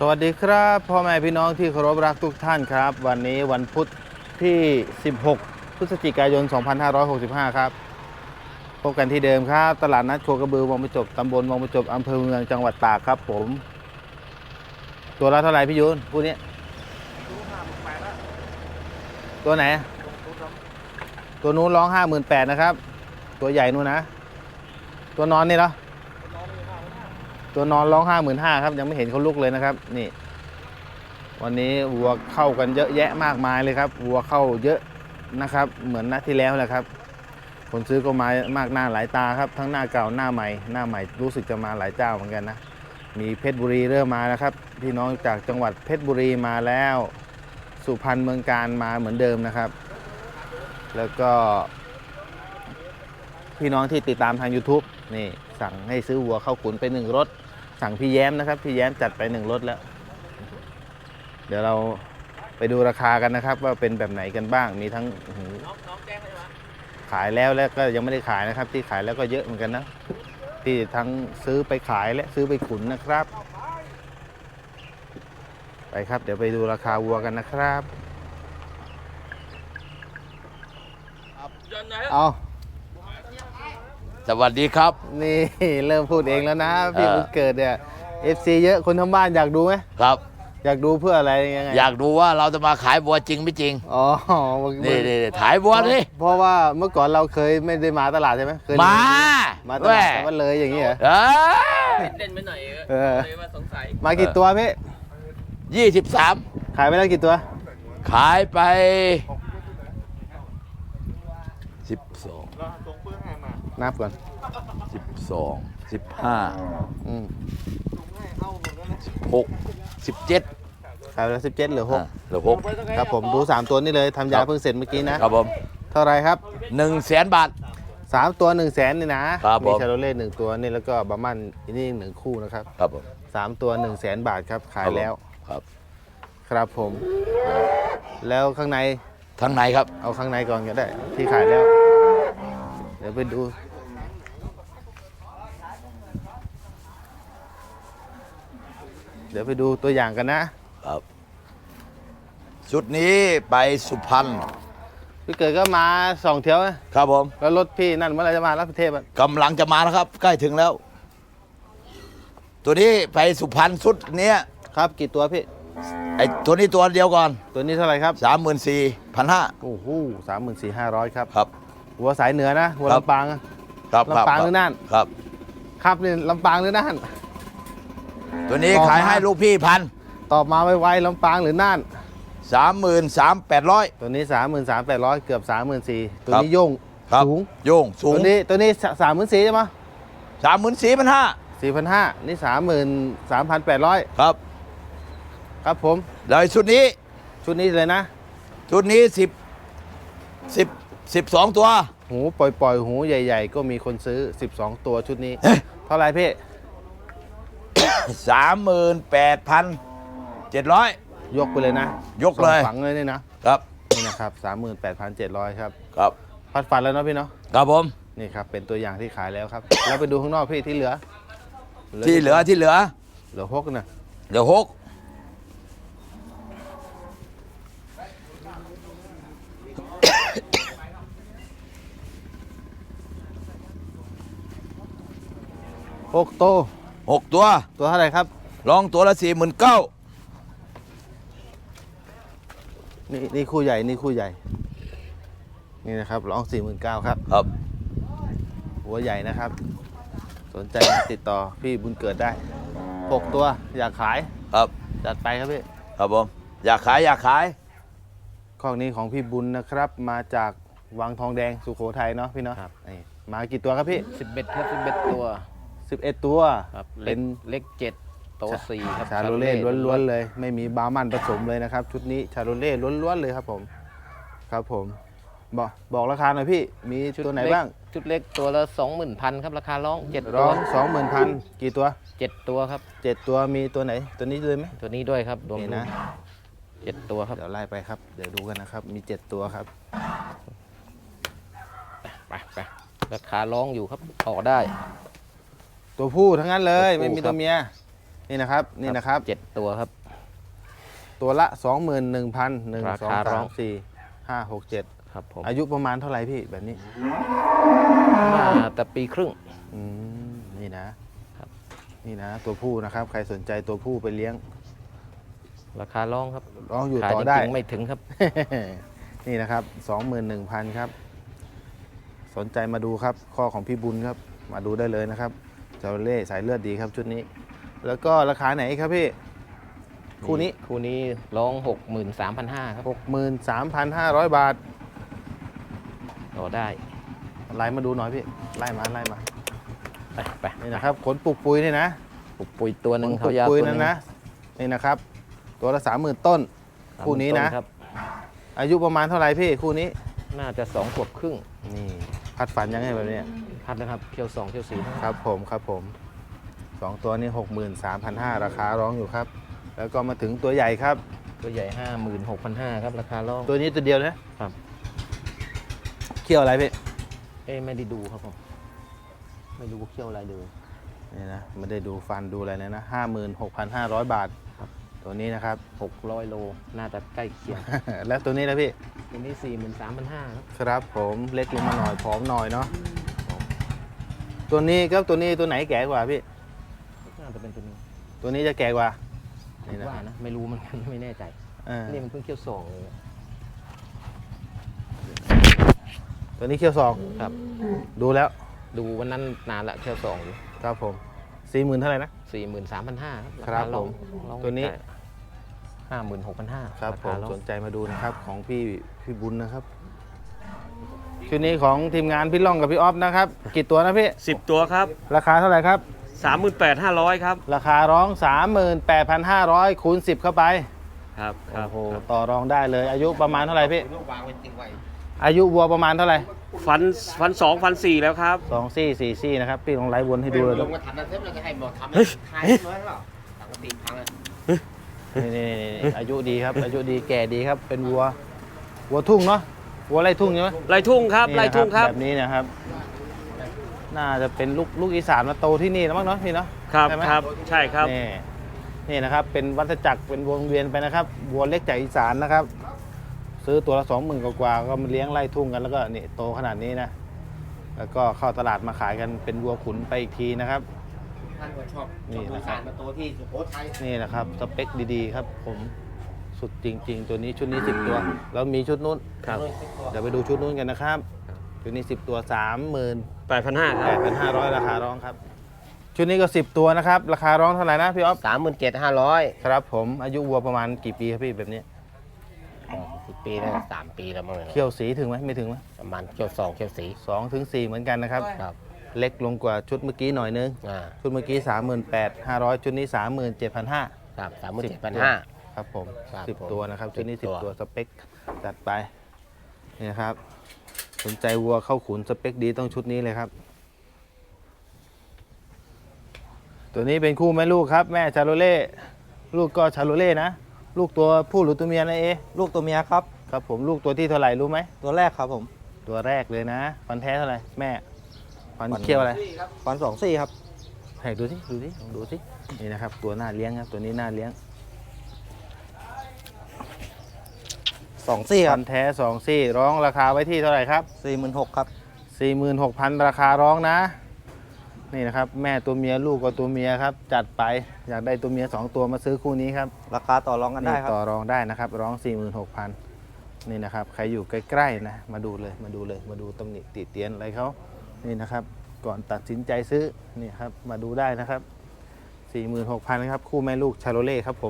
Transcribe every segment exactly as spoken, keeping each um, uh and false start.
วัสดีครับพ่อแม่พี่น้องที่เคารพรักทุกท่านครับ วันนี้วันพุธที่ สิบหก พฤศจิกายน สองพันห้าร้อยหกสิบห้า ครับพบกันที่เดิมครับ ตลาดนัดโคกระบือวังประจบตำบลวังประจบอำเภอเมืองจังหวัดตากครับผม ตัวละเท่าไหร่พี่ยุนพูดนี้ตัวไหน ตัวนู้นร้องห้าหมื่นแปดนะครับ ตัวใหญ่นู้นนะ ตัวนอนนี่เหรอตัวนอนร้องห้าหมื่นห้าครับยังไม่เห็นเขาลุกเลยนะครับนี่วันนี้วัวเข้ากันเยอะแยะมากมายเลยครับวัวเข้าเยอะนะครับเหมือนนัดที่แล้วแหละครับคนซื้อก็มามากหน้าหลายตาครับทั้งหน้าเก่าหน้าใหม่หน้าใหม่รู้สึกจะมาหลายเจ้าเหมือนกันนะมีเพชรบุรีเริ่มมาแล้วครับพี่น้องจากจังหวัดเพชรบุรีมาแล้วสุพรรณเมืองการมาเหมือนเดิมนะครับแล้วก็พี่น้องที่ติดตามทาง YouTube นี่สั่งให้ซื้อวัวเข้าขุนไปหนึ่งรถสั่งพี่แย้มนะครับพี่แย้มจัดไปหนึ่งรถแล้วเดี๋ยวเราไปดูราคากันนะครับว่าเป็นแบบไหนกันบ้างมีทั้งขายแล้วแล้วก็ยังไม่ได้ขายนะครับที่ขายแล้วก็เยอะเหมือนกันนะที่ทั้งซื้อไปขายและซื้อไปขุนนะครับไปครับเดี๋ยวไปดูราคาวัวกันนะครับเอาสวัสดีครับนี่เริ่มพูดเองแล้วนะพี่บุญเกิดเนี่ย เอฟ ซี เยอะคนทั้งบ้านอยากดูไหมครับอยากดูเพื่ออะไรยังไงอยากดูว่าเราจะมาขายบัวจริงไม่จริงอ๋อนี่นี่ขายบัวนี่เพราะว่าเมื่อก่อนเราเคยไม่ได้มาตลาดใช่ไหมเคยมามาตลาดแต่ว่าเลยอย่างนี้เหรอเออเด่นไปหน่อยเออเลยว่าสงสัยมากี่ตัวพี่ยี่สิบสามขายไปแล้วกี่ตัวขายไปสิบสองนับก่อนสิบสองสิบห้าหกสิบเจ็ดขายไปแล้วสิบเจ็ดเหลือหกเหลือหกครับผมดูสามตัวนี่เลยทำยาเพิ่งเสร็จเมื่อกี้นะครับผมเท่าไรครับหนึ่งแสนบาทสามตัวหนึ่งแสนนี่นะครับมีชาโรเล่หนึ่งตัวนี่แล้วก็บาร์มันนี่หนึ่งคู่นะครับครับผมสามตัวหนึ่งแสนบาทครับขายแล้วครับครับผมแล้วข้างในข้างในครับเอาข้างในก่อนก็ได้ที่ขายแล้วเดี๋ยวไปดูเดี๋ยวไปดูตัวอย่างกันนะครับชุดนี้ไปสุพรรณพี่เกิดก็มาสองเที่ยวนะครับผมแล้วรถพี่นั่นเมื่อไรจะมารับประเทศกำลังจะมาแล้วครับใกล้ถึงแล้ว ตัวนี้ไปสุพรรณชุดนี้ครับกี่ตัวพี่ไอตัวนี้ตัวเดียวก่อนตัวนี้เท่าไหร่ครับสามหมื่นสี่พันห้าโอ้โหสามหมื่นสี่ห้าร้อยครับครับหัวสายเหนือนะหัวลำปางครับลำปางหรือน่านครับครับนี่ลำปางหรือน่านตัวนี้ขายให้ลูกพี่พันตอบมาไวๆลำปางหรือน่านสามหมื่นสามแปดร้อยตัวนี้สามหมื่นสามแปดร้อยเกือบสามหมื่นสี่ตัวนี้โยงสูงโยงสูงตัวนี้ตัวนี้สามหมื่นสี่ใช่ไหมสามหมื่นสี่พันห้าสี่พันห้านี่สามหมื่นสามพันแปดร้อยครับครับผมแล้วชุดนี้ชุดนี้เลยนะชุดนี้สิบสิบสิบสองตัวหูปล่อยๆหูใหญ่ๆก็มีคนซื้อสิบสองตัวชุดนี้เท่าไรพี่สามหมื่นแปดพันเจ็ดร้อยยกไปเลยนะยกเลยฝังเลยนี่นะครับนี่นะครับสามหมื่นแปดพันเจ็ดร้อยครับครับพัดฟันแล้วเนาะพี่เนาะครับผมนี่ครับเป็นตัวอย่างที่ขายแล้วครับเราไปดูข้างนอกพี่ที่เหลือที่เหลือที่เหลือเหลือหกนะเหลือหกหกตัวหกตัวตัวเท่าไหร่ครับลองตัวละสี่หมื่นเก้านี่นี่คู่ใหญ่นี่คู่ใหญ่นี่นะครับลองสี่หมื่นเก้าครับครับหัวใหญ่นะครับสนใจติดต่อพี่บุญเกิดได้หกตัวอยากขายครับจัดไปครับพี่ครับผมอยากขายอยากขายข้อนี้ของพี่บุญนะครับมาจากวังทองแดงสุโขทัยเนาะพี่เนาะนี่มากี่ตัวครับพี่สิบเอ็ดครับสิบเอ็ดตัวสิบเอ็ดตัวครับเป็นเล็กเจ็ดโตสี่ครับชาโรเล่ล้วนๆเลยไม่มีบาร์มันผสมเลยนะครับชุดนี้ชาโรเล่ล้วนๆเลยครับผมครับผมบอกบอกราคาหน่อยพี่มีตัวไหนบ้างชุดเล็กตัวละสองหมื่นพันครับราคาร้องเจ็ดร้องสองหมื่นพันกี่ตัวเจ็ดตัวครับเจ็ดตัวมีตัวไหนตัวนี้ด้วยไหมตัวนี้ด้วยครับรวมนะเจ็ดตัวครับเดี๋ยวไล่ไปครับเดี๋ยวดูกันนะครับมีเจ็ดตัวครับไปไปราคาร้องอยู่ครับต่อได้ตัวผู้ทั้งนั้นเลยไม่มีตัวเมียนี่นะครับนี่นะครับเจ็ดตัวครับตัวละ สองหมื่นหนึ่งพัน หนึ่งราสองคาร้สาองม สี่ ห้า หก เจ็ดครับผมอายุประมาณเท่าไหร่พี่แบบนี้น่าแต่ปีครึ่งอืมนี่นะครับ นี่นะตัวผู้นะครับ ใครสนใจตัวผู้ไปเลี้ยงราคาร้องครับร้องอยู่ขายต่อจได้ริงๆไม่ถึงครับนี่นะครับ สองหมื่นหนึ่งพัน ครับ สนใจมาดูครับ ข้อของพี่บุญครับ มาดูได้เลยนะครับจาเล่สายเลือดดีครับชุดนี้ แล้วก็ราคาไหนครับพี่ คู่นี้คู่นี้ร้องหกหมื่นสามพันห้าครับหกหมื่นสามพันห้าร้อย บาทต่อได้ไล่มาดูหน่อยพี่ ไล่มาไล่มาไปไปนี่นะครับขนปลูกปุยนี่นะปลุกปุ๋ยตัวหนึ่งขนปเขาลูกยาวปุยตัวหนั่นึนงนะ นี่นะครับ ตัวละสามหมื่นต้น คู่นี้นะต้ครับอายุประมาณเท่าไหร่พี่คู่นี้น่าจะสองขวบครึ่งนี่พัดฝันยังไงแบบเนี้ยพัดนะครับเคี่ยวสองเคี่ยวสี่ครับผมครับผมสองตัวนี้หกหมื่นสามพันห้าราคาร้องอยู่ครับ แล้วก็มาถึงตัวใหญ่ครับตัวใหญ่ห้าหมื่นหกพันห้าครับราคาร้องตัวนี้ตัวเดียวนะครับ เขี้ยวอะไรพี่เอ้ไม่ได้ดูครับผมไม่รู้ว่าเคี่ยวอะไรดูนี่นะไม่ได้ดูฟันดูอะไรเลยนะห้าหมื่นหกพันห้าร้อยบาทครับตัวนี้นะครับหกร้อยโลน่าจะใกล้เคียงแล้วตัวนี้นะพี่ตัวนี้สี่หมื่นสามพันห้าครับครับผมเล็กลงมาหน่อยผอมหน่อยเนาะตัวนี้ครับตัวนี้ตัวไหนแก่กว่าพี่น่าจะเป็นตัวนี้ตัวนี้จะแก่กว่าคินี่ดนะว่านะไม่รู้มัน ไม่แน่ใจเออนี่มันเพิ่งเคี่ยวสองเลยตัวนี้เขี้ยวสองครับดูแล้วดูวันนั้นนานละเคี่ยวสองอยู่ครับผมสี่หมื่นเท่าไหร่นะสี่หมื่นสามพันห้าครับผมตัวนี้ห้าหมื่นหกพันห้าครับผมสนใจมาดูนะครับของพี่พี่บุญนะครับชุดนี้ของทีมงานพี่ล่องกับพี่ออฟนะครับกี่ตัวนะพี่สิบตัวครับราคาเท่าไหร่ครับสามหมื่นแปดห้าร้อยครับราคาร้อง สามหมื่นแปดพันห้าร้อย คูณสิบเข้าไปครับครัโอ้บโหครับต่อรองได้เลยอายุประมาณเท่าไหร่พี่อายุวัวประมาณเท่าไหร่ฟันฟันสองฟันสี่แล้วครับสองซี่สี่ซี่นะครับพี่ลองไล่วนให้ดูเลยลงมาทำนั้นเสร็จเราจะให้หมดทำเฮ้ยทายน้อยหรอปกติพังเลยนี่นี่นี่นี่อายุดีครับ อายุดีแก่ดีครับ เป็นวัววัวทุ่งเนาะวัวไร่ทุ่งใช่ไหมไล่ทุ่งครับนี่ไล่นะทุ่งครับแบบนี้นะครับ น่าจะเป็นลูกลูกอีสานมาโตที่นี่แล้วมั้งเนาะพี่เนาะครับใช่ไหมครับใช่ครับนี่นี่นะครับเป็นวัฏจักรเป็นวงเวียนไปนะครับวัวเล็กจากอีสานนะครับ ซื้อตัวละสองหมื่นกว่าๆก็มาเลี้ยงไล่ทุ่งกันแล้วก็นี่โตขนาดนี้นะแล้วก็เข้าตลาดมาขายกันเป็นวัวขุนไปอีกทีนะครับท่านก็ชอบนี่ชอบดูนะครับสารมาโตที่สุโขทัยนี่นะครับสเปคดีๆครับ ผมสุดจริง ๆ ตัวนี้ชุดนี้สิบตัวแล้วมีชุดนู้นครับเดี๋ยวไปดูชุดนู้นกันนะครับชุดนี้สิบตัวสามหมื่นแปดพันห้าคแปรับดพันห้าร้อยราคาร้องครับ ชุดนี้ก็สิบตัวนะครับ ราคาร้องเท่าไหร่นะพี่อ๊อฟสามหมื่นเจ็ดห้าร้อยครับผมอายุวัวประมาณกี่ปีครับพี่แบบนี้สิบปีแล้วสามปีแล้วมั้งเนี่ยเขี้ยวสีถึงไหมไม่ถึงไหมประมาณเขียวสองเขียวสีสองถึงสี่เหมือนกันนะครับครับเล็กลงกว่าชุดเมื่อกี้หน่อยนึงอ่าชุดเมื่อกี้สามหมื่นแปดห้าร้อยชุดนี้สามหมื่นเจ็ดพันห้าครับสามหมื่นเจ็ดพันห้าครับผมครับสิบผมตัวนะครับชุดนี้สิสิบบตัวตัวสเปคจัดไปนี่นะครับสนใจวัวเข้าขุนสเปคดีต้องชุดนี้เลยครับ ตัวนี้เป็นคู่แม่ลูกครับ แม่ชาโลเล่ลูกก็ชาโลเล่นะ ลูกตัวผู้หรือตัวเมียนะเอลูกตัวเมียครับครับผมลูกตัวที่เท่าไหร่รู้ไหมตัวแรกครับผมตัวแรกเลยนะฟันแท้เท่าไหร่แม่ฟันฟันเขี้ยวอะไรฟันสองซี่ครับให้ดูสิดูสิลองดูสินี่นะครับ ตัวหน้าเลี้ยงครับตัวนี้หน้าเลี้ยงสองซี่คฟัรับนแท้สองซี่ร้องราคาไว้ที่เท่าไหร่ครับสี่หมื่นหกครับสี่หมื่นหกพันราคาร้องนะ นี่นะครับ แม่ตัวเมียลูกก็ตัวเมียครับ จัดไปอยากได้ตัวเมียสองตัวมาซื้อคู่นี้ครับราคาต่อรองกันได้ครับต่อรองได้นะครับ ร้อง สี่หมื่นหกพัน นี่นะครับ ใครอยู่ใกล้ๆนะมาดูเลยมาดูเลยมาดูตำหนิติเตียนอะไรเขานี่นะครับ ก่อนตัดสินใจซื้อนี่ครับมาดูได้นะครับ สี่หมื่นหกพัน ครับ คู่แม่ลูกชาโลเล่ครับผม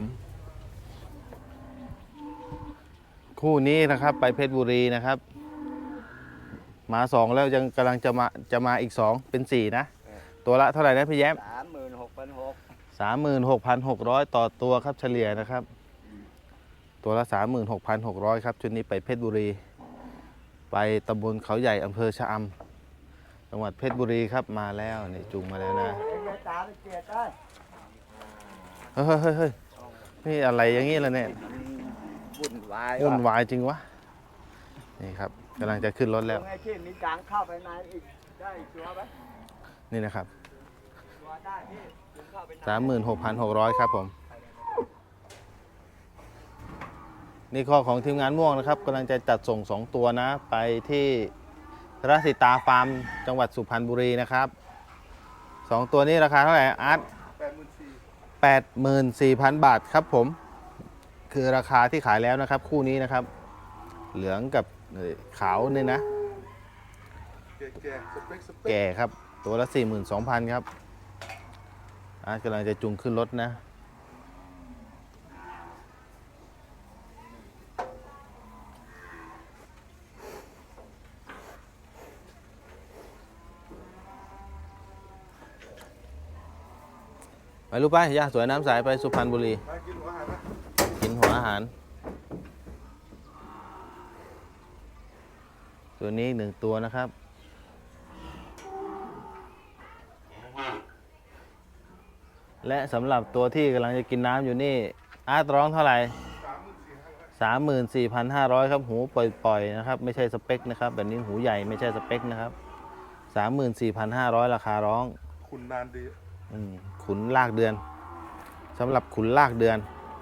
คู่นี้นะครับไปเพชรบุรีนะครับ มาสองแล้วยังกำลังจะมาจะมาอีกสองเป็นสี่นะ ตัวละเท่าไหร่นะพี่แย้มสามหมื่นหกพันหกสามหมื่นหกพันหกร้อยต่อตัวครับเฉลี่ยนะครับ ตัวละสามหมื่นหกพันหกร้อยครับชุดนี้ไปเพชรบุรี ไปตำบลเขาใหญ่อำเภอชะอำจังหวัดเพชรบุรีครับมาแล้วนี่จูงมาแล้วนะเฮ้ยเฮ้ยเฮ้ยนี่อะไรอย่างงี้ล่ะเนี่ยบุ่นวายวุ่นวายจริงวะนี่ครับกำลังจะขึ้นรถแล้วไงที่มีกลางเข้าไปในอีกได้ตัวไหมนี่นะครับตัวได้พี่สามหมื่นหกพันหกร้อยครับผม นี่ข้อของทีมงานม่วงนะครับกำลังจะจัดส่งสองตัวนะ ไปที่รัสิตาฟาร์มจังหวัดสุพรรณบุรีนะครับสองตัวนี้ราคาเท่าไหร่อาร์ตแปดหมื่นสี่พันบาทครับผม คือราคาที่ขายแล้วนะครับ คู่นี้นะครับ เหลืองกับขาวนี่นะ แก่ครับ ตัวละ สี่หมื่นสองพัน ครับอาร์ตกำลังจะจูงขึ้นรถนะ ไปลูกไปย่าสวยน้ำใสไปสุพรรณบุรี กินหัวอาหาร ตัวนี้อีกหนึ่งตัวนะครับ และสำหรับตัวที่กำลังจะกินน้ำอยู่นี่ อาร์ตร้องเท่าไหร่ สามหมื่นสี่พันห้าร้อย ครับ หูปล่อยๆนะครับ ไม่ใช่สเปคนะครับ แบบนี้หูใหญ่ไม่ใช่สเปคนะครับ สามหมื่นสี่พันห้าร้อย ราคาร้องคุณนานดีอืมขุนลากเดือนสำหรับขุนลากเดือน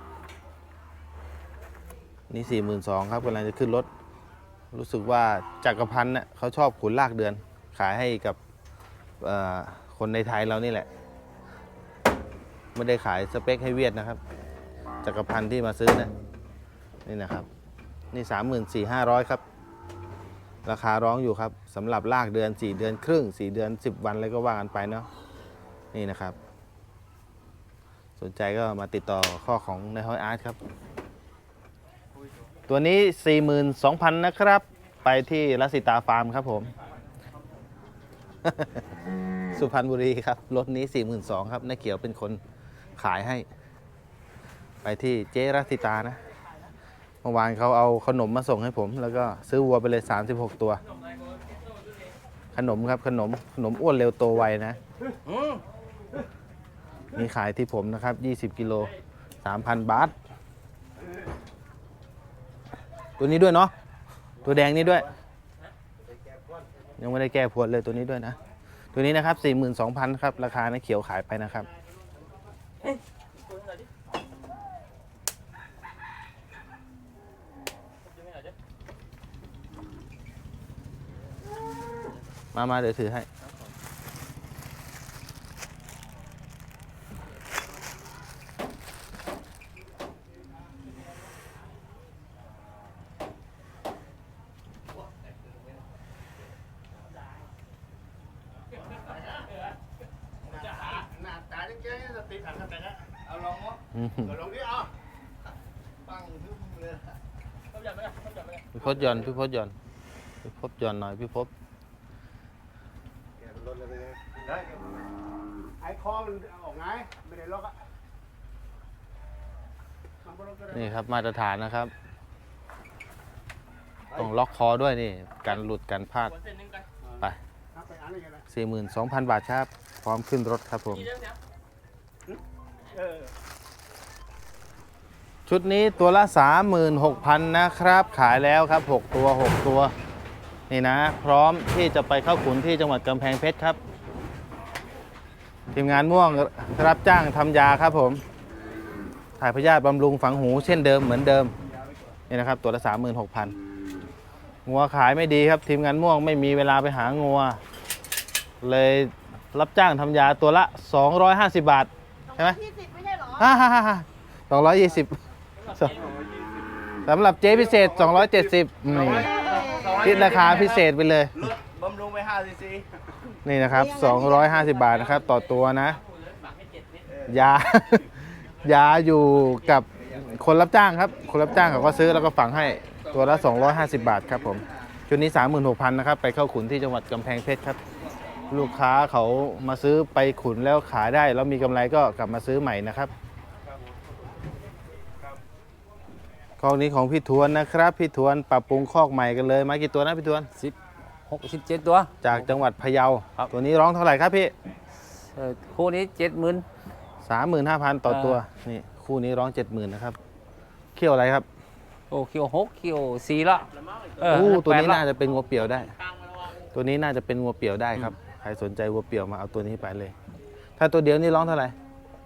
นี่ สี่หมื่นสองพัน ครับกำลังจะขึ้นรถ รู้สึกว่าจักรพันธ์เนี่ยเขาชอบขุนลากเดือน ขายให้กับคนในไทยเรานี่แหละ ไม่ได้ขายสเปคให้เวียดนะครับ จักรพันธ์ที่มาซื้อนะนี่นะครับ นี่ สามหมื่นสี่พันห้าร้อย ครับ ราคาร้องอยู่ครับสำหรับลากเดือน สี่ เดือนครึ่ง สี่ เดือน สิบ วันอะไรก็ว่ากันไปเนาะนี่นะครับ สนใจก็มาติดต่อข้อของนายฮ้อยอาร์ตครับ ตัวนี้ สี่หมื่นสองพัน นะครับ ไปที่รัสิตาฟาร์มครับผม สุพรรณบุรีครับ รถนี้ สี่หมื่นสองพัน ครับนายเขียวเป็นคนขายให้ ไปที่เจ๊รัสิตานะ เมื่อวานเขาเอาขนมมาส่งให้ผม แล้วก็ซื้อวัวไปเลย สามสิบหก ตัว ขนมครับขนมขนมอ้วนเร็วโตไวนะ มีขายที่ผมนะครับ ยี่สิบ กิโล สามพัน บาท ตัวนี้ด้วยเนาะ ตัวแดงนี้ด้วย ยังไม่ได้แก้พวดเลยตัวนี้ด้วยนะ ตัวนี้นะครับ สี่หมื่นสองพัน ครับ ราคานะเขียวขายไปนะครับ มา มา เดี๋ยวถือให้ อืมพี่พศหย่อนพี่พศหย่อนพี่พศหย่อนหน่อยพี่พศไอ้คอมันออกไงไม่ได้ล็อกอะนี่ครับมาตรฐานนะครับ ต้องล็อกคอด้วยนี่กันหลุดกันพลาดไป สี่หมื่นสองพัน บาทครับ พร้อมขึ้นรถครับผม ชุดนี้ตัวละ สามหมื่นหกพัน นะครับ ขายแล้วครับ หก ตัว หก ตัว นี่นะ พร้อมที่จะไปเข้าขุนที่จังหวัดกำแพงเพชรครับ ทีมงานม่วงรับจ้างทำยาครับผม ถ่ายพยาธิบำรุงฝังหูเช่นเดิมเหมือนเดิม นี่นะครับ ตัวละ สามหมื่นหกพัน งัวขายไม่ดีครับ ทีมงานม่วงไม่มีเวลาไปหางัว เลยรับจ้างทำยาตัวละ สองร้อยห้าสิบ บาท ใช่ไหมยี่สิบไม่ใช่หรอฮ่าฮ่าฮ่าสองร้อยยี่สิบสำหรับเจ๊พิเศษ สองร้อยเจ็ดสิบนี่คิดราคาพิเศษไปเลยบำรุงไปห้าซีซีนี่นะครับ สองร้อยห้าสิบ บาทนะครับ ต่อตัวนะ ยา ยาอยู่กับคนรับจ้างครับ คนรับจ้างเขาก็ซื้อแล้วก็ฝังให้ตัวละ สองร้อยห้าสิบ บาทครับผมชุดนี้ สามหมื่นหกพัน นะครับ ไปเข้าขุนที่จังหวัดกำแพงเพชรครับ ลูกค้าเขามาซื้อไปขุนแล้วขายได้แล้วมีกำไรก็กลับมาซื้อใหม่นะครับคอกนี้ของพี่ทวนนะครับพี่ทวนปรับปรุงคอกใหม่กันเลยมากี่ตัวนะพี่ทวนสิบหกสิบเจ็ดตัวจากจังหวัดพะเยาครับตัวนี้ร้องเท่าไหร่ครับพี่เอ่อคู่นี้เจ็ดหมื่นสามหมื่นห้าพันต่อตัวนี่คู่นี้ร้องเจ็ดหมื่นนะครับเขี้ยวอะไรครับโอ้คิวหกคิวสี่ละเอออู้ตัวนี้แปดละน่าจะเป็นงัวเปี่ยวได้ ตัวนี้น่าจะเป็นงัวเปี่ยวได้ครับใครสนใจงัวเปี่ยวมาเอาตัวนี้ไปเลย ถ้าตัวเดียวนี่ร้องเท่าไหร่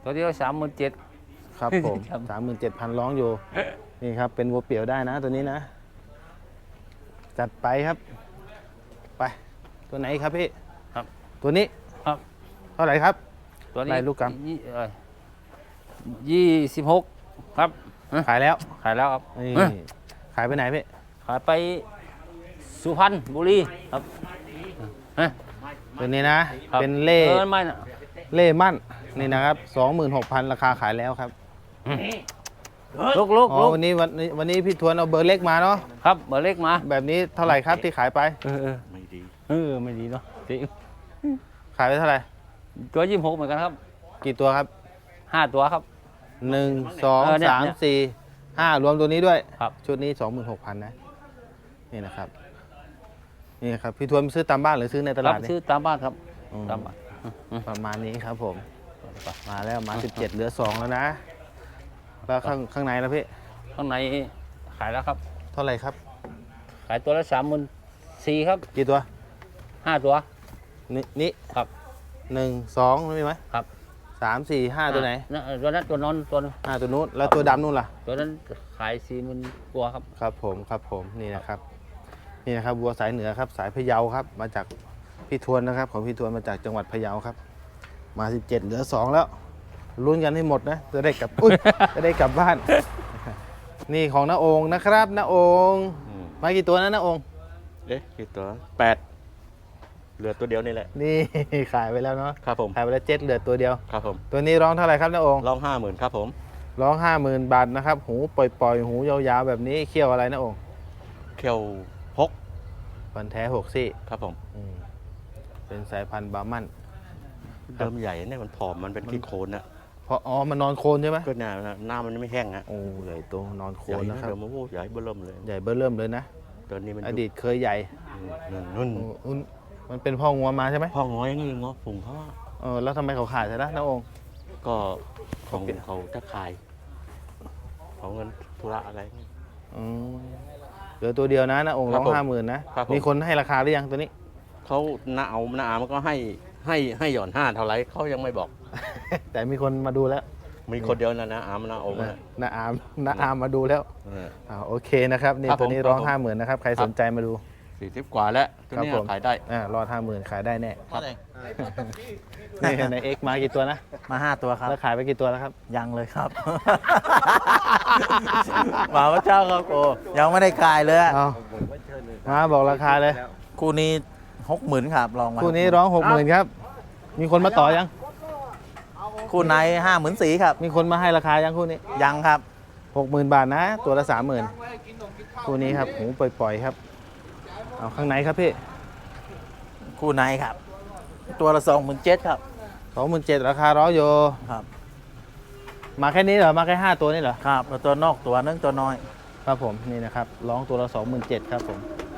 ตัวเดียวสามหมื่นเจ็ดครับผมครับสามหมื่นเจ็ดพันร้องอยู่ นี่ครับ เป็นวัวเปี่ยวได้นะตัวนี้นะ จัดไปครับ ไป ตัวไหนครับพี่ครับตัวนี้ครับเท่าไหร่ครับตัวนี้ได้ลูกกรัมยี่เอ่อยี่สิบหกครับขายแล้วขายแล้วครับนี่เอ้ยขายไปไหนพี่ขายไปสุพรรณบุรีครับเอ้ยตัวนี้นะครับเป็นเล่เออไม่นะเล่มั่น นี่นะครับสองหมื่นหกพันราคาขายแล้วครับลูกลูกอ๋อลูกวันนี้วันนี้วันนี้พี่ทวนเอาเบอร์เล็กมาเนาะครับเบอร์เล็กมาแบบนี้เท่าไหร่ครับที่ขายไปเออเออไม่ดีเออไม่ดีเนาะจริงขายไปเท่าไหร่ตัวยี่สิบหกเหมือนกันครับกี่ตัวครับห้าตัวครับหนึ่งสองเออเนี่ยสามเนี่ยสี่ห้ารวมตัวนี้ด้วยครับชุดนี้สองหมื่นหกพันนะ นี่นะครับ นี่ครับ พี่ทวนซื้อตามบ้านหรือซื้อในตรัลาบดเนี่ยซื้อตามบ้านครับอืมตามบ้านประมาณนี้ครับผม มาแล้วมาสิบเจ็ดเหลือสองแล้วนะ แล้วข้างข้างในแล้วพี่ข้างในขายแล้วครับเท่าไหร่ครับขายตัวละสามหมื่นสี่ครับกี่ตัวห้าตัวนี่นี่ครับหนึ่งสองมีไหมครับสามสี่ห้าตัวไหนะตัวนั้นตัวนอนตัวนั้นห้าตัวนู้นแล้วตัวดำนู้นล่ะตัวนั้นขายสี่หมื่นกว่าครับครับผมครับผมนี่นะครับ นี่นะครับวัวสายเหนือครับ สายพะเยาครับ มาจากพี่ทวนนะครับ ของพี่ทวนมาจากจังหวัดพะเยาครับ มาสิบเจ็ดเหลือสองแล้วลุ้นกันให้หมดนะจะได้กลับอุ๊ย จะได้กลับบ้าน นี่ของน้าองค์นะครับน้าองค์มากี่ตัวนะน้าองค์เอ๊ะกี่ตัวแปดเหลือตัวเดียวนี่แหละนี่ ขายไปแล้วเนาะครับผมขายไปแล้วเจ็ดเหลือตัวเดียวครับผมตัวนี้ร้องเท่าไหร่ครับน้าองค์ร้องห้าหมื่นครับผมร้องห้าหมื่นบาทนะครับหูปล่อยๆหูยาวๆแบบนี้เขี้ยวอะไรน้าองค์เขียวหกฟันแท้หกซี่ครับผมอืมเป็นสายพันธุ์บาร์มันเดิมใหญ่เนี่ยมันผอมมันเป็นขี้โคลนนะเพราะอ๋อมันนอนโคลนใช่ไหมก็หน้าหน้ามันไม่แห้งฮะโอ้ใหญ่โตนอนโคลใหญ่นนะนะครับเดี๋ยวมาโอ้ใหญ่เบิ่มเลยใหญ่เบ้อเริ่มเลยนะตัวนี้มันอดีตเคยใหญ่นุ่นนุ่นโอ้อุ้นมันเป็นพ่องัวมาใช่ไหมพ่อง้อยนี่ง้อผงเขาว่าเออแล้วทำไมเขาขายใช่ไหมน้าองค์ก็ของเขาจะขายของเงินธุระอะไรอืมเหลือตัวเดียวนะน้าองค์ครัร้บองผมห้าหมื่นนะครับผมมีคนให้ราคาหรือยังตัวนี้เขาหน้าเอาหน้าอามันก็ให้ให้ให้หย่อนห้าเท่าไรเขายังไม่บอกแต่มีคนมาดูแล้วมีคนเดียวนะนะอามันนะเอามาน้าอามน้าอามมาดูแล้วเอออ่าโอเคนะครับนี่ครับตัวนี้ผมร้องครับผมห้าหมื่นนะครับใครครับสนใจมาดูสี่สิบกว่าแล้วตัวครับนี้ผมขายได้อ่ารอดห้าหมื่นขายได้แน่ครับนี่ในเอ็กมากี่ตัวนะมาห้าตัวครับแล้วขายไปกี่ตัวแล้วครับยังเลยครับมาพระเจ้าครับโกยังไม่ได้กายเลยอะเอามาบอกราคาเลยคู่นี้หกหมื่นครับลองมาคู่นี้ร้องหกหมื่นครับ มีคนมาต่อยังคู่ในห้าหมื่นสี่ครับมีคนมาให้ราคายังคู่นี้ยังครับหกหมื่นบาทนะ ตัวละสามหมื่นคู่นี้ครับหูปล่อยๆครับ เอาข้างในครับพี่คู่ในครับ ตัวละสองหมื่นเจ็ดครับสองหมื่นเจ็ดราคาร้อยโยครับมาแค่นี้เหรอ มาแค่ห้าตัวนี่เหรอครับแล้วตัวนอกตัวนึงตัวน้อยครับผมนี่นะครับร้องตัวละสองหมื่นเจ็ดครับผม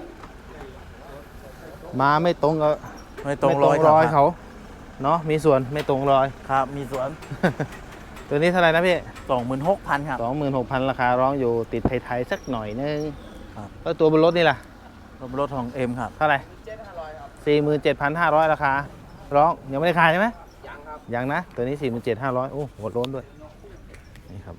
มาไม่ตรงกับไม่ตรงรอยไม่รอยเขาเนาะมีส่วนไม่ตรงรอยครับ มีสวนตัวนี้เท่าไหร่นะพี่สองหมื่นหกพันครับสองหมื่นหกพันราคาร้องอยู่ติดไทยๆสักหน่อยนึงครับแล้วตัวบนรถนี่ล่ะรถของเอ็มครับเท่าไหร่สี่หมื่นเจ็ดพันห้าร้อยราคา ร้องยังไม่ได้ขายใช่ไหมยังครับยังนะ ตัวนี้สี่หมื่นเจ็ดห้าร้อยโอ้โหดร้นด้วย นี่ครับ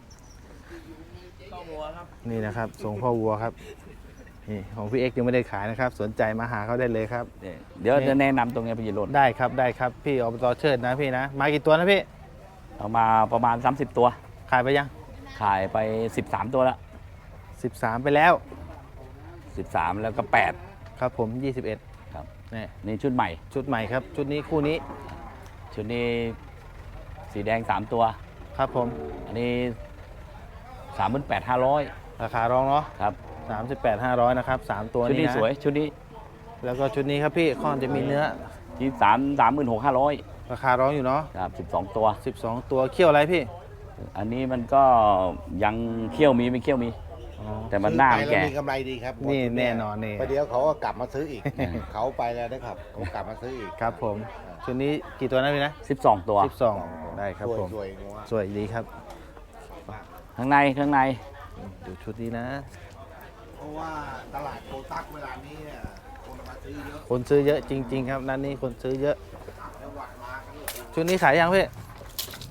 นี่นะครับส่งพ่อวัวครับ นี่ของพี่เอ็กซ์ยังไม่ได้ขายนะครับ สนใจมาหาเขาได้เลยครับเดี๋ยวจะแนะนำตรงนี้ไปยีรถได้ครับได้ครับพี่อบตเชิดนะพี่นะ มากี่ตัวนะพี่เอามาประมาณสามสิบตัวขายไปยังขายไปสิบสามตัวแล้วสิบสามไปแล้วสิบสามแล้วก็แปดครับผมยี่สิบเอ็ดครับนี่นี่ชุดใหม่ชุดใหม่ครับ ชุดนี้คู่นี้ชุดนี้สีแดงสามตัวครับผมอันนี้สามหมื่นแปดห้าร้อยราคาร้องเนาะครับสามสิบแปดห้าร้อยนะครับสามตัวชุดนี้นี้นะสวย ชุดนี้แล้วก็ชุดนี้ครับพี่ค่อนจะมีเนื้อที่สามสามหมื่นหกห้าร้อยราคาร้องอยู่เนาะครับสิบสองตัวสิบสองตัวเขี้ยวอะไรพี่อันนี้มันก็ยังเขี้ยวมีไม่เขี้ยวมี แต่มันหน้ามันแก่ซื้อไปแล้วมีกำไรดีครับนี่แน่นอนนี่ประเดี๋ยวเขาก็กลับมาซื้ออีก เขาไปแล้วนะครับเขากลับมาซื้ออีกครับผมชุดนี้กี่ตัวนะพี่นะสิบสองตัวสิบสองได้ครับผมสวยๆงัวสวยดีครับข้างในข้างในดูชุดนี้นะเพราะว่าตลาดโคตักเวลานี้เนี่ยคนมาซื้อเยอะคนซื้อเยอะจริง ๆ ครับนั่นนี่คนซื้อเยอะ ชุดนี้ขายยังพี่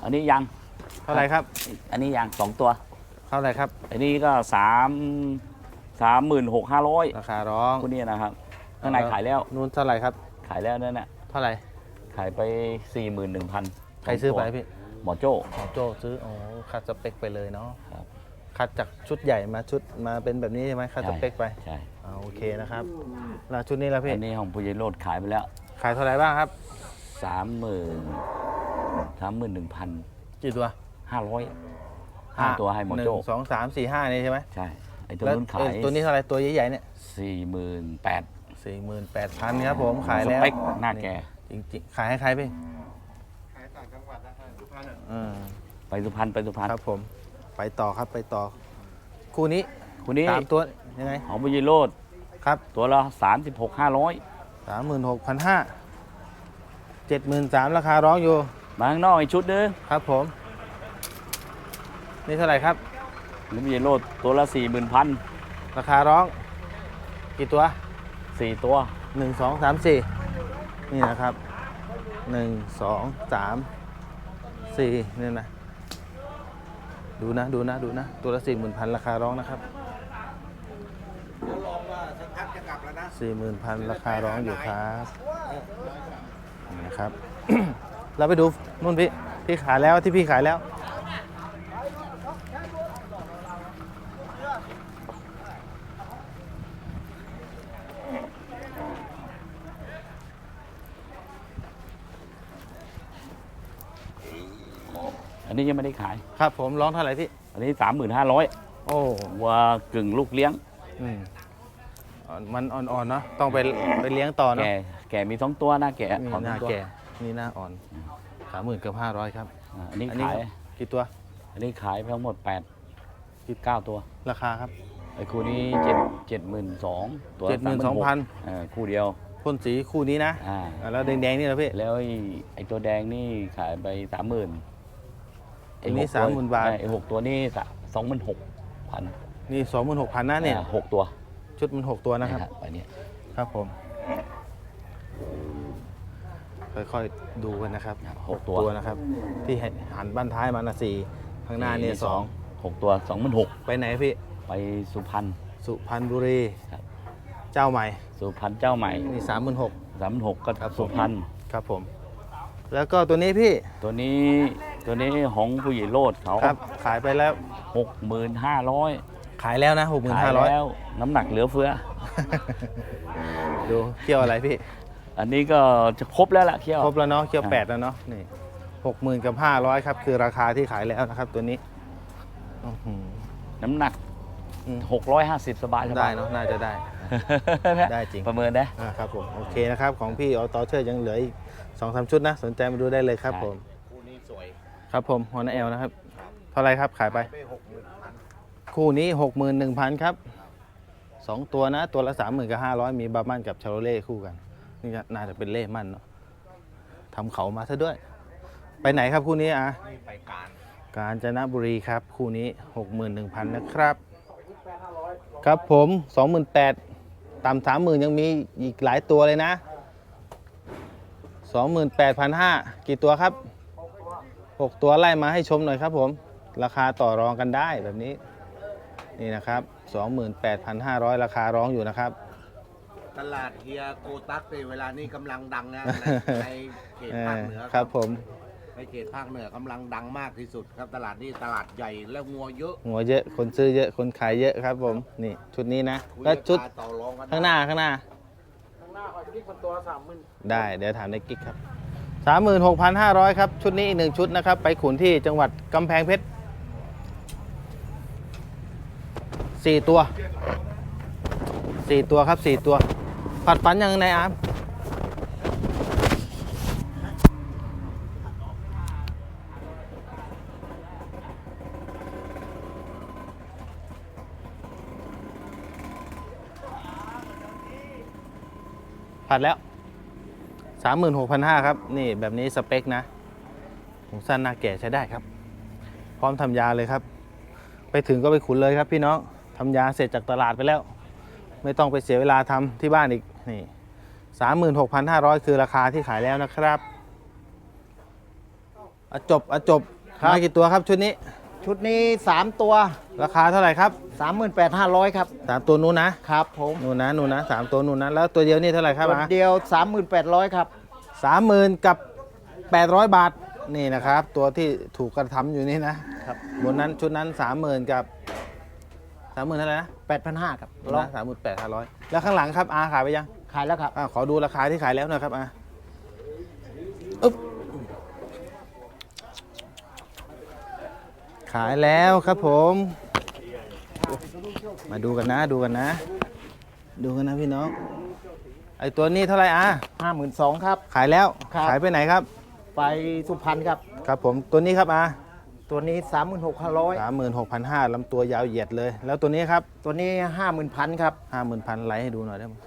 อันนี้ยังเท่าไหร่ครับอันนี้ยังสองตัวเท่าไหร่ครับอันนี้ก็สามสามหมื่นหกห้าร้อยราคาร้องคู่นี้นะครับข้างในขายแล้วนู้นเท่าไหร่ครับขายแล้วนั่นน่ะเท่าไหร่ขายไปสี่หมื่นหนึ่งพันใครซื้อไปพี่หมอโจ้หมอโจซื้ออ๋อคัดสเปคไปเลยเนาะครับคัดจากชุดใหญ่มาชุดมาเป็นแบบนี้ใช่ไหมคัดสเปคไปใช่อ่าโอเคนะครับแล้วชุดนี้แล้วพี่อันนี้ของผู้ใหญ่โลดขายไปแล้วขายเท่าไหร่บ้างครับสามหมื่นสามหมื่นหนึ่งพันกี่ตัวห้าร้อยห้าตัวให้หมอนึ่โจ้งสองสามสี่ห้านี่ใช่ไหมใช่ไอ้ตัวแล้วนู้นขาเอ้ยยตัวนี้เท่าไหร่ตัวใหญ่ๆเนี่ยสี่หมื่นแปดสี่หมื่นแปดพันครับผมขายแล้วสเปคหน้าแก่จริงๆขายให้ใครพี่ขายต่างจังหวัดนะทุกท่านอ่ะอืมไปสุพรรณไปสุพรรณครับผมไปต่อครับไปต่อ คู่นี้คู่นี้สามตัวยังไงของผู้ใหญ่โลดครับตัวละสามสิบหกห้าร้อยสามหมื่นหกพันห้าเจ็ดหมื่นสามราคาร้องอยู่มาข้างนอกอีกชุดนึงครับผม นี่เท่าไหร่ครับหรือผู้ใหญ่โลดตัวละสี่หมื่นพันราคาร้อง กี่ตัวสี่ตัวหนึ่งสองสามสี่นี่นะครับหนึ่งสองสามสี่นี่นะ ดูนะดูนะดูนะ ตัวละสี่หมื่นพันราคาร้องนะครับลองว่าสักพักจะกลับแล้วนะสี่หมื่นพันราคาร้องอยู่ครับนี่นะครับ เราไปดูนู่นพี่พี่ขายแล้วที่พี่ขายแล้วอันนี้ยังไม่ได้ขายครับผมร้องเท่าไหร่พี่อันนี้สามหมื่นห้าร้อยโอ้วัวกึ่งลูกเลี้ยงอืมอ่อนมันอ่อนๆเนาะต้องไปไปเลี้ยงต่อเนาะแก่แก่มีสองตัวหน้าแก่นี่ขอหน้าตัวแก่นี่หน้าอ่อนสามหมื่นเกือบห้าร้อยครับอ่าอันนี้อันนี้ขายกี่ตัวอันนี้ขายไปทั้งหมดแปดสิบเก้าตัวราคาครับไอ้คู่นี้เจ็ดเจ็ดหมื่นสองตัวเจ็ดหมื่นสองพันเออคู่เดียวพ่นสีคู่นี้นะอ่าอ่าแล้วแดงๆนี่นะพี่แล้วไอ้ไอ้ตัวแดงนี่ขายไปสามหมื่นอันนี้สามหมื่นบาทไอ้หกตัวนี่สองหมื่นหกพันนี่สองหมื่นหกพันนะเนี่ยหกตัวชุดมันหกตัวนะครับไปเนี่ยครับผม ค่อยๆดูกันนะครับหกตัวนะครับ ที่หันบ้านท้ายมานะสี่ข้างหน้าเนี่ยสองหกตัวสองหมื่นหกไปไหนพี่ไปสุพรรณสุพรรณบุรีครับเจ้าใหม่สุพรรณเจ้าใหม่นี่สามหมื่นหกสามหมื่นหกก็ครับผมสุพรรณครับผม แล้วก็ตัวนี้พี่ตัวนี้ตัวนี้ของผู้ใหญ่โลดเขาครับ ขายไปแล้วหกหมื่นห้าร้อยขายแล้วนะหกหมื่นขายห้าร้อยแล้วน้ำหนักเหลือเฟือดูเกี่ยวอะไรพี่อันนี้ก็จะครบแล้วล่ะเที่ยวครบแล้วเนาะเกี่ยวอ่าแปดแล้วเนาะนี่หกหมื่นกับห้าร้อยครับ คือราคาที่ขายแล้วนะครับ ตัวนี้อื้อหือน้ำหนักอืมหกร้อยห้าสิบสบายสได้บายเนาะน่าจะได้ ได้จริงประเมินได้อ่าครับผมโอเคนะครับ ของพี่ออโตเชอร์ยังเหลืออีกสองสามชุดนะ สนใจมาดูได้เลยครับผมคู่นี้สวยครับผมฮอนเอลนะครับ เท่าไรครับขายไปไปหกหมื่นพันคู่นี้หกหมื่นหนึ่งพันครับสองตัวนะ ตัวละสามหมื่นกับห้าร้อยมีบาร์มันกับชาโรเล่คู่กัน นี่ก็น่าจะเป็นเล่มันเนาะทำเขามาซะด้วย ไปไหนครับคู่นี้อ่ะนี่ไปการกาญจนบุรีครับ คู่นี้หกหมื่นหนึ่งพันนะครับ ครับผมสองหมื่นแปดต่ำสามหมื่นยังมีอีกหลายตัวเลยนะสองหมื่นแปดพันห้ากี่ตัวครับหกตัวไล่มาให้ชมหน่อยครับผม ราคาต่อรองกันได้แบบนี้ นี่นะครับสองหมื่นแปดพันห้าร้อยราคาร้องอยู่นะครับตลาดเฮียโกตักในเวลานี้กำลังดังนะในในเขตเอภาอคเหนือครับผมในเขตภาคเหนือกำลังดังมากที่สุดครับตลาดนี้ตลาดใหญ่แล้วงัวเยอะหัวเยอะคนซื้อเยอะคนขายเยอะครับผมนี่ชุดนี้นะคุยแล้วชุดราคาต่อรองกันข้างหน้าข้างหน้าข้างหน้าหอยพริกมันตัวสามหมื่นได้เดี๋ยวถามในกิ๊กครับสามหมื่นหกพันห้าร้อยครับ ชุดนี้อีกหนึ่งชุดนะครับ ไปขุนที่จังหวัดกำแพงเพชรสี่ตัวสี่ตัวครับสี่ตัว ผัดฟันยังไงอาร์มผัดแล้ว สามหมื่นหกพันห้าครับ นี่แบบนี้สเปคนะผมสั้นหน้าแก่ใช้ได้ครับ พร้อมทำยาเลยครับ ไปถึงก็ไปขุนเลยครับพี่น้องทำยาเสร็จจากตลาดไปแล้ว ไม่ต้องไปเสียเวลาทำที่บ้านอีกนี่สามหมื่นหกพันห้าร้อยคือราคาที่ขายแล้วนะครับอะจบอะจบครับมากี่ตัวครับชุดนี้ชุดนี้สามตัวราคาเท่าไหร่ครับสามหมื่นแปดห้าร้อยครับสามตัวนู้นนะครับผมนู่นนะนู่นนะสามตัวนู่นนะแล้วตัวเดียวนี่เท่าไหร่ครับตัวอ่ะเดียวสามหมื่นแปดร้อยครับสามหมื่นกับแปดร้อยบาทนี่นะครับ ตัวที่ถูกกระทำอยู่นี่นะครับ บนนั้นชุดนั้นสามหมื่นกับสามหมื่นเท่าไหร่นะแปดพันห้าครับลองสามหมื่นแปดห้าร้อยแล้วข้างหลังครับอาขายไปยังขายแล้วครับอ่าขอดูราคาที่ขายแล้วหน่อยครับอาอึ๊บขายแล้วครับผม มาดูกันนะดูกันนะ ดูกันนะพี่น้องไอตัวนี้เท่าไหร่อาห้าหมื่นสองครับขายแล้วครับขายไปไหนครับไปสุพรรณครับครับผมตัวนี้ครับอาตัวนี้สามหมื่นหกพันร้อยสามหมื่นหกพันห้าลำตัวยาวเหยียดเลย แล้วตัวนี้ครับตัวนี้ห้าหมื่นพันครับห้าหมื่นพันไลค์ให้ดูหน่อยได้ไหม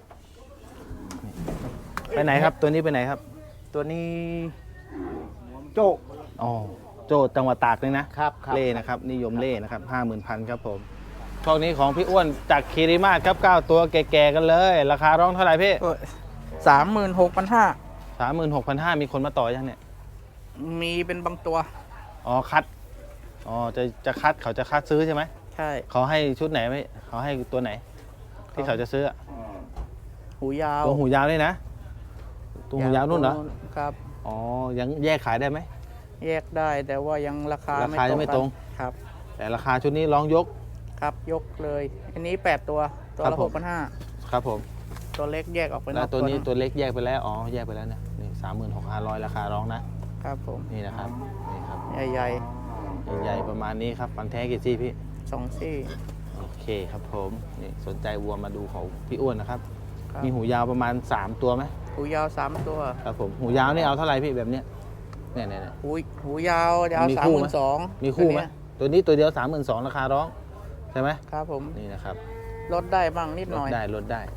ไปไหนครับตัวนี้ไปไหนครับตัวนี้โจอ๋อโจทย์จังหวัดตากเลยนะครับครับเล่นะครับนิยมเล่นะครับห้าหมื่นพันครับผมช่วงนี้ของพี่อ้วนจากคีริมาศครับเก้าตัวแก่ๆกันเลย ราคาร้องเท่าไหร่พี่สามหมื่นหกพันห้าสามหมื่นหกพันห้ามีคนมาต่อยังเนี่ยมีเป็นบางตัวอ๋อคัดอ๋อจะจะคัดเขาจะคัดซื้อใช่ไหมใช่เขาให้ชุดไหนไหมเขาให้ตัวไหน ที่เขาจะซื้ออะหูยาวตัวหูยาวนี่นะตัวหูยาวนู่นเหรอครับอ๋อยังแยกขายได้ไหมแยกได้แต่ว่ายังราคาราคายังไม่ตรงกันครับแต่ราคาชุดนี้ร้องยกครับยกเลย อันนี้แปดตัว ตัวครัละบผหมกพันห้าครับผมตัวเล็กแยกออกไปนแล้อวกตัวนี้หงตัวเล็กแยกไปแล้วอ๋อแยกไปแล้วเนี่ยนี่สามหมื่นหกพันห้าร้อยราคาร้องนะครับผมนี่นะครับนี่ครับใหญ่ใหญ่ๆประมาณนี้ครับฟันแท้กี่ซี่พี่ๆสองซี่โอเคครับผมนี่สนใจวัวมาดูของพี่อ้วนนะครับครับมีหูยาวประมาณสามตัวไหมหูยาวสามตัวครับผมหูยาวนี่เอาเท่าไหร่พี่แบบเนี้ยเนี่ยเนี่ยเนี่ยหูหูยาวจะเอามีสามคู่หไหมมื่นสองมีคู่ไหมตัวนี้ตัวเดียวสามหมื่นสองราคาร้องใช่ไหมครับผมนี่นะครับลดได้บ้างนิดลหน่ดอยได้ลดได้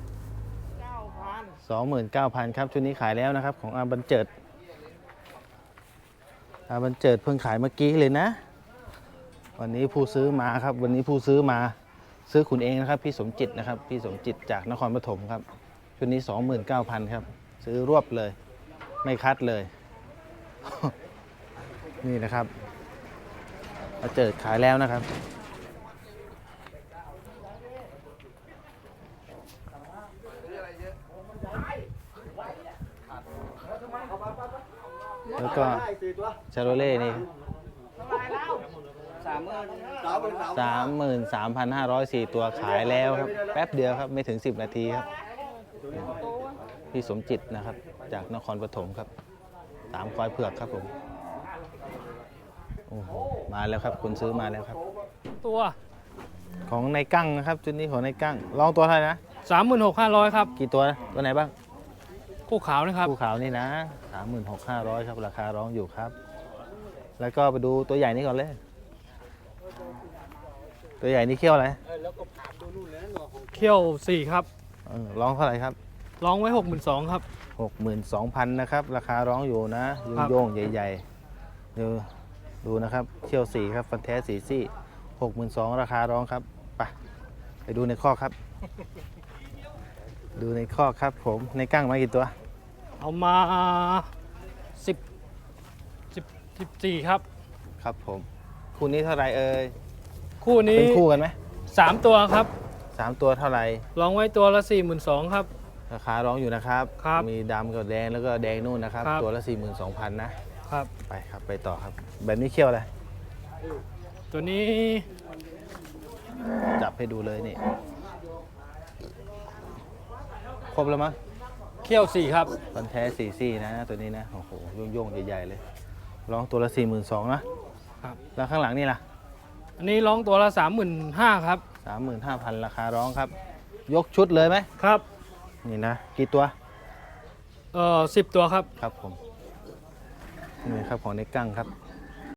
สองหมื่นเก้าพันครับชุดนี้ขายแล้วนะครับ ของอาบันเจิดอาบันเจิดเพิ่งขายเมื่อกี้เลยนะ วันนี้ผู้ซื้อมาครับ วันนี้ผู้ซื้อมาซื้อขุนเองนะครับ พี่สมจิตนะครับ พี่สมจิตจากนครปฐมครับชุดนี้สองหมื่นเก้าพันครับ ซื้อรวบเลย ไม่คัดเลย นี่นะครับอาเจิดขายแล้วนะครับ แล้วก็ชาโรเล่นี่สามหมื่นสามพันห้าร้อยสี่ตัวขายแล้วครับ แป๊บเดียวครับ ไม่ถึงสิบนาทีครับ พี่สมจิตนะครับ จากนครปฐมครับสามควายเผือกครับผมโอ้โหมาแล้วครับคนซื้อมาแล้วครับตัวของในกั้งนะครับชุดนี้ของในกั้งลองตัวเท่าไหร่นะสามหมื่นหกห้าร้อยครับกี่ตัวนะตัวไหนบ้างคู่ขาวนะครับภูเขานี่นะสามหมื่นหกห้าร้อยครับราคาร้องอยู่ครับ แล้วก็ไปดูตัวใหญ่นี้ก่อนเลย ตัวใหญ่นี่เขี้ยวอะไรเขี้ยวสี่ครับเออร้องเท่าไหร่ครับร้องไว้หกหมื่นสองครับหกหมื่นสองพันนะครับ ราคาร้องอยู่นะโยครังบโยงๆใหญ่ๆเดี๋ยวดูนะครับเขี้ยวสีครับฟันแท้สีซี่หกหมื่นสองราคาร้องครับไปไปดูในข้อครับ ดูในข้อครับผมในกั้งมากี่ตัวเอามาสิบสิบสิบสี่ครับครับผมคู่นี้เท่าไหร่เอ่ยคู่นี้เป็นคู่กันไหมสามตัวครับสามตัวเท่าไหร่ร้องไว้ตัวละสี่หมื่นสองครับราคาร้องอยู่นะครับครับมีดำกับแดงแล้วก็แดงนู่นนะครับครับตัวละ สี่หมื่นสองพัน นะครับไปครับไปต่อครับ แบบนี้เขี้ยวอะไรตัวนี้จับให้ดูเลยนี่ ครบแล้วมั้งเขี้ยวสี่ครับฟันแท้สี่ซี่นะตัวนี้นะ โอ้โหโยงๆใหญ่ๆเลย ร้องตัวละ สี่หมื่นสองพัน นะครับแล้วข้างหลังนี่ล่ะอันนี้ร้องตัวละสามหมื่นห้าครับสามหมื่นห้าพัน ราคาร้องครับ ยกชุดเลยไหมครับนี่นะ กี่ตัวเอ่อสิบตัวครับครับผม นี่ครับของในกั้งครับ